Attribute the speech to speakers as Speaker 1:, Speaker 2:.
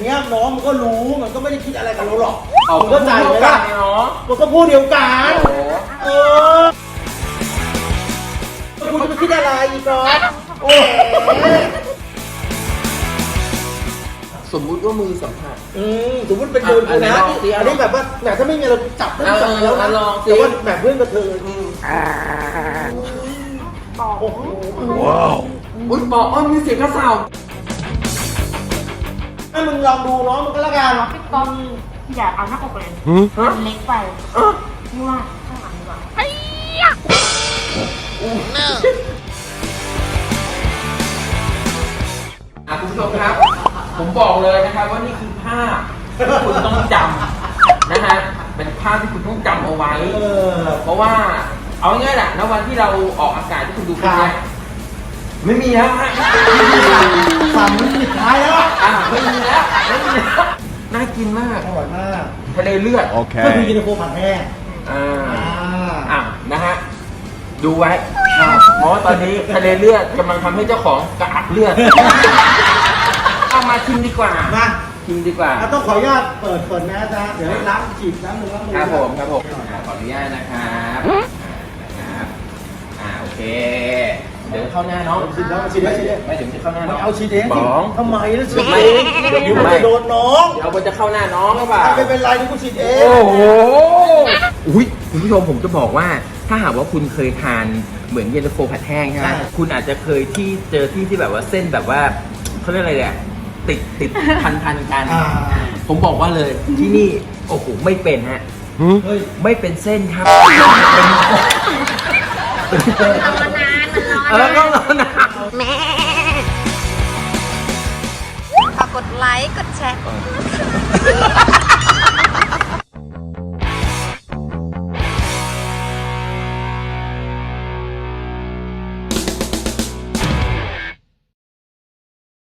Speaker 1: เงี้ยน้องมันก็รู้มันก็ไม่ได้คิดอะไรกับเราหรอก
Speaker 2: เอา
Speaker 1: มึงก็ใจไหมล่ะ
Speaker 2: เนาะ
Speaker 1: มันก็พูดเดียวกัน
Speaker 2: โอ้โห
Speaker 1: เออคุณจะไปคิดอะไรอีกก่อนโอ้โห
Speaker 2: สมมุติว่ามือสัมผัส
Speaker 1: สมมติเป็นมือกูนะอันนี้แบบว่าแหมถ้าไม่มีเราจับได้จับแล้วนะ
Speaker 2: ลองสิ
Speaker 1: แต่ว่าแบบเพื่อนกับเธอโอ้โห
Speaker 2: ว้าวอุ้ยบอกมีเสียงกระเซา
Speaker 1: ให้มึงลองดูน้องมันก็แล้วกัน
Speaker 3: พี่ก๊อฟอย่าเอาหน้าอกเลยมันเล็กไปพี่ว่าข้างหลังดีกว่า
Speaker 2: คุณผู้ชมครับ ผมบอกเลยนะครับว่านี่คือภาพที่คุณต้องจำนะฮะเป็นภาพที่คุณต้องจำเอาไว้ เพราะว่าเอาง่ายๆแหละณวันที่เราออกอากาศที่คุณดูคลิปเนี้ยไม่มีแล้วฮะ
Speaker 1: สั่งมันสุดท้ายแล้ว
Speaker 2: ไม่มีแล้วน่ากินมาก
Speaker 1: อร่อยมาก
Speaker 2: ทะเลเลือด
Speaker 1: ก็คือยินดีโฟผัดแห้ง
Speaker 2: นะฮะดูไว้เพราะว่าตอนนี้ทะเลเลือดกำลังทำให้เจ้าของกระอักเลือดเอามาชิมดีกว่า
Speaker 1: มา
Speaker 2: ชิมดีกว่า
Speaker 1: ต้องขออนุญาตเปิดแมสนะเดี๋ยวล้างฉีดน้ำมือล้างมือ
Speaker 2: ครับผมขออนุญาตนะครับโอเคเดี๋ยวเข้าหน้าน้อง
Speaker 1: ฉีดแล้วฉีดแล้วฉีดแล้ว
Speaker 2: ไม่ถึงจะเข้าหน้าน้
Speaker 1: มั
Speaker 2: อน ง
Speaker 1: เอาฉีดเอง
Speaker 2: สอง
Speaker 1: ทำไมล่ะฉีดเองเดี๋ยวมันจะโดนน้อง
Speaker 2: เดี๋ยวมันจะเข้าหน้าน้องหรือเปล่า
Speaker 1: ไม่เป็นไรที่กูฉีดเอง
Speaker 2: โอ้โหอุ้ยคุณผู้ชมผมจะบอกว่าถ้าหากว่าคุณเคยทานเหมือนเย็นตาโฟผัดแห้งใช่ไหมคุณอาจจะเคยเจอที่แบบว่าเส้นแบบว่าเขาเรียกอะไรเนี่ยติดพันกัน ผมบอกว่าเลยที่นี่โอ้โหไม่เป็นฮะ
Speaker 1: เฮ้ย
Speaker 2: ไม่เป็นเส้นครับ
Speaker 3: ทำมานานมันร้อน
Speaker 2: ต้องรอนะ
Speaker 3: แม่ฝากกดไลค์ กดแชร์